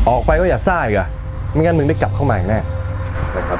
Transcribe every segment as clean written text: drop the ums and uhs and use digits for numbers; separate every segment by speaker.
Speaker 1: ออกไปก็อย่าซ่าอีกอะไม่งั้นมึงได้กลับเข้ามาอีกแน่นะครับ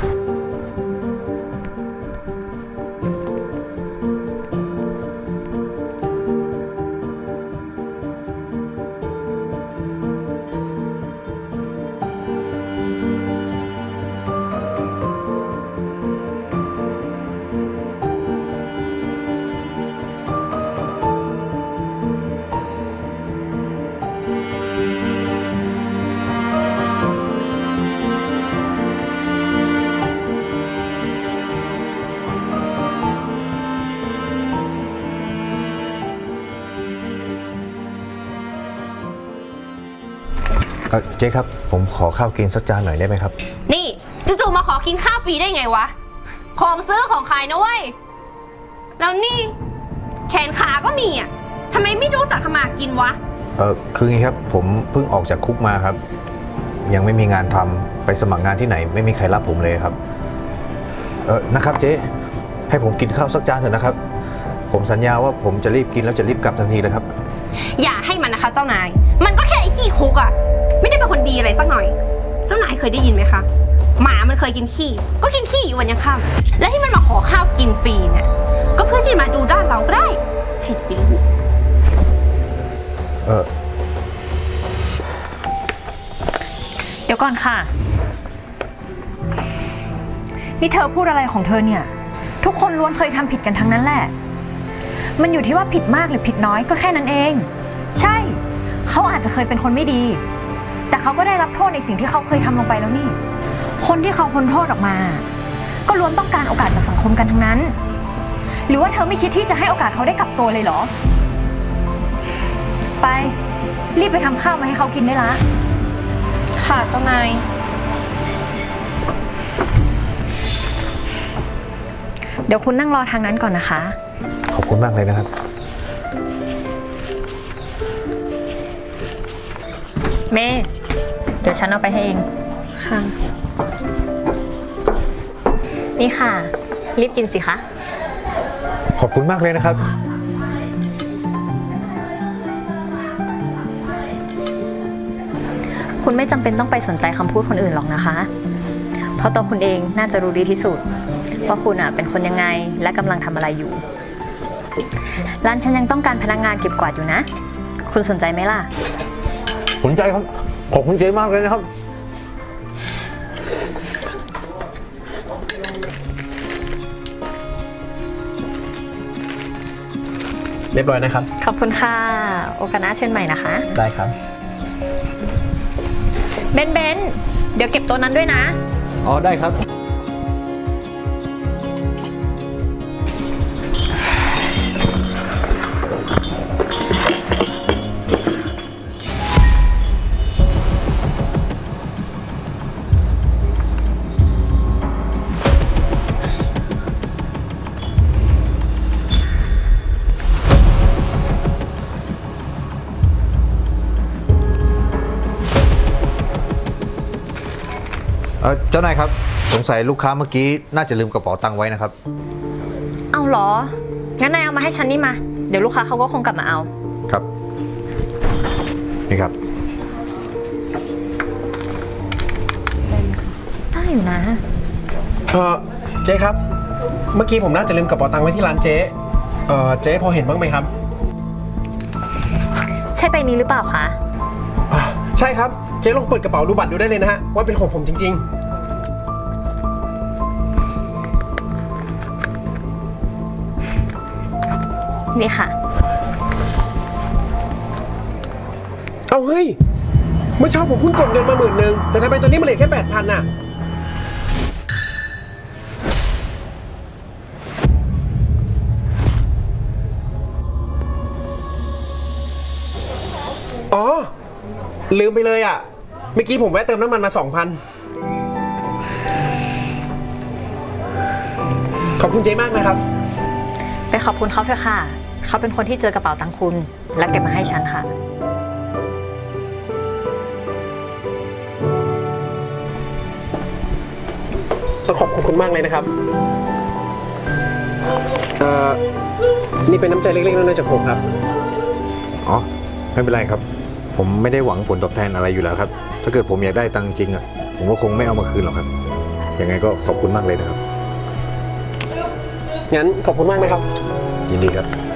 Speaker 2: เจ๊ครับผมขอข้าวกินสักจานหน่อยได้ไหมครับ
Speaker 3: นี่จู่ๆมาขอกินข้าวฟรีได้ไงวะของซื้อของขายนะเว้ยแล้วนี่แขนขาก็มีอ่ะทำไมไม่รู้จักทำมากินวะ
Speaker 2: คืองี้ครับผมเพิ่งออกจากคุกมาครับยังไม่มีงานทำไปสมัครงานที่ไหนไม่มีใครรับผมเลยครับนะครับเจ๊ให้ผมกินข้าวสักจานเถอะนะครับผมสัญญาว่าผมจะรีบกินแล้วจะรีบกลับทันทีเลยครับ
Speaker 3: อย่าให้มันนะคะเจ้านายมันก็แค่ไอ้ขี้คุกอ่ะไม่ได้เป็นคนดีอะไรสักหน่อยเจ้านายเคยได้ยินไหมคะหมามันเคยกินขี้ก็กินขี้อยู่วันยังค่ำและที่มันมาขอข้าวกินฟรีเนี่ยก็เพื่อที่จะมาดูด้านเราก็ได้ใครจะไปรู้
Speaker 4: เดี๋ยวก่อนค่ะนี่เธอพูดอะไรของเธอเนี่ยทุกคนล้วนเคยทำผิดกันทั้งนั้นแหละมันอยู่ที่ว่าผิดมากหรือผิดน้อยก็แค่นั้นเองใช่เขาอาจจะเคยเป็นคนไม่ดีแต่เขาก็ได้รับโทษในสิ่งที่เขาเคยทำลงไปแล้วนี่คนที่เขาพ้นโทษออกมาก็ล้วนต้องการโอกาสจากสังคมกันทั้งนั้นหรือว่าเธอไม่คิดที่จะให้โอกาสเขาได้กลับตัวเลยเหรอไปรีบไปทำข้าวมาให้เขากินได้ละ
Speaker 3: ค่ะเจ้านาย
Speaker 4: เดี๋ยวคุณนั่งรอทางนั้นก่อนนะคะ
Speaker 2: ขอบคุณมากเลยนะครับ
Speaker 4: เมย์เดี๋ยวฉันเอาไปให้เอง
Speaker 3: ค่ะ
Speaker 4: นี่ค่ะรีบกินสิคะ
Speaker 2: ขอบคุณมากเลยนะครับ
Speaker 4: คุณไม่จำเป็นต้องไปสนใจคำพูดคนอื่นหรอกนะคะเพราะตัวคุณเองน่าจะรู้ดีที่สุดว่าคุณเป็นคนยังไงและกำลังทำอะไรอยู่ร้านฉันยังต้องการพนักงานเก็บกวาดอยู่นะคุณสนใจไหมล่ะ
Speaker 2: สนใจครับขอบคุณเจ๊มากเลยนะครับ
Speaker 1: เรียบร้อยนะครับ
Speaker 4: ขอบคุณค่ะโอกาสหน้าเช่นใหม่นะคะ
Speaker 1: ได้ครับ
Speaker 4: เบนเดี๋ยวเก็บตัวนั้นด้วยนะ
Speaker 1: อ๋อได้ครับ
Speaker 2: เจ้านายครับสงสัยลูกค้าเมื่อกี้น่าจะลืมกระเป๋าตังค์ไว้นะครับ
Speaker 4: เอาเหรองั้นนายเอามาให้ฉันนี่มาเดี๋ยวลูกค้าเขาก็คงกลับมาเอา
Speaker 2: ครับนี่ครับ
Speaker 4: ได้อยู่นะ
Speaker 5: เจ๊ครับเมื่อกี้ผมน่าจะลืมกระเป๋าตังค์ไว้ที่ร้านเจ๊เจ๊พอเห็นบ้างไหมครับ
Speaker 4: ใช่ใบนี้หรือเปล่าคะ
Speaker 5: ใช่ครับเจ๊ลองเปิดกระเป๋าดูบัตรดูได้เลยนะฮะว่าเป็นของผมจริง
Speaker 4: ๆนี่ค่ะ
Speaker 5: เอาเฮ้ยเมื่อเช้าผมเพิ่งกดเงินมา10,000แต่ทำไมตอนนี้มันเหลือแค่8,000น่ะอ๋อลืมไปเลยอ่ะเมื่อกี้ผมแวะเติมน้ำมันมา 2,000 ขอบคุณเจ๊มากนะครับ
Speaker 4: ไปขอบคุณเขาเถอะค่ะเขาเป็นคนที่เจอกระเป๋าตังค์คุณและเก็บมาให้ฉันค่ะ
Speaker 5: ต้องขอบคุณมากเลยนะครับนี่เป็นน้ำใจเล็กๆน้อยๆจากผมครับ
Speaker 2: อ๋อไม่เป็นไรครับผผมไม่ได้หวังผลตอบแทนอะไรอยู่แล้วครับ ถ้าเกิดผมอยากได้ตังค์จริงอ่ะ ผมก็คงไม่เอามาคืนหรอกครับ ยังไงก็ขอบคุณมากเลยนะครับ
Speaker 5: งั้นขอบคุณมากนะครับ
Speaker 2: ยินดีครับ